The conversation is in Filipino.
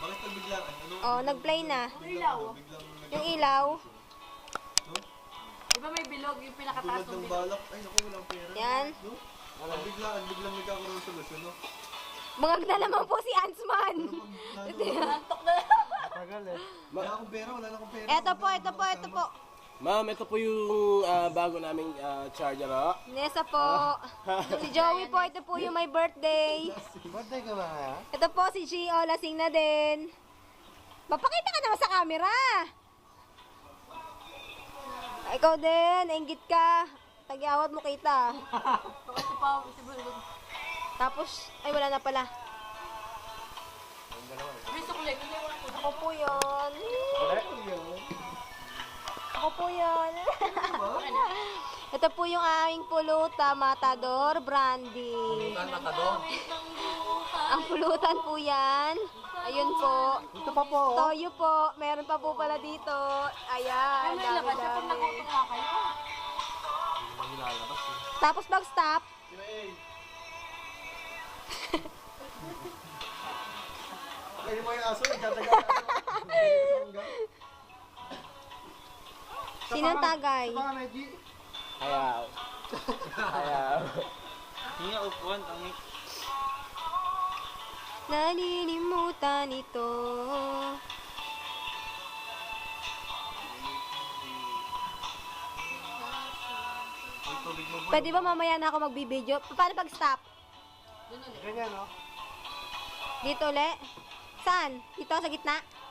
Bakit nagbiglaan? Ano? Oh, nag-play na. Ilaw. Yung ilaw. Di ba may bilog yung pinakataas Tulad ng ng bilog? balak. Ay, naku, walang pera. Yan. No? Biglang nagkakaroon ng solusyon, no? Bangag na naman po si Ansman. Antok na. Tagal eh. Wala akong pera, wala na akong pera. Ito po. Ma'am, ito po yung bago naming charger, oh. Nessa po. Si Joey po, ito po yung my birthday. Birthday ka ba kaya? Ito po si Gio, lasing na din. Mapakita ka naman sa camera. Ikaw din, nainggit ka. Tagyawat mo kita. Ito pa, si bilog. Tapos, ay wala na pala. May sukulay. Ako po yun. Ako po yun. Ito po yung aming pulutan, Matador Brandy. Ang pulutan po yan. Ayun po. Ito pa po. Toyo po. Meron pa po pala dito. Ayan. Ay, may labas. Sa pag Dami-dami. nagutom nga kayo. Tapos pag-stop, Ay, mo yung aso, nagtatagal. sinong tagay? Ito pa, Medji. Ayaw. Ayaw. Hinga, upuan, ang Nalilimutan ito. tubig mo. Pwede ba mamaya na ako magbibideo? Paano pag-stop? Ganyan, no? Dito ulit? Saan? Dito sa gitna?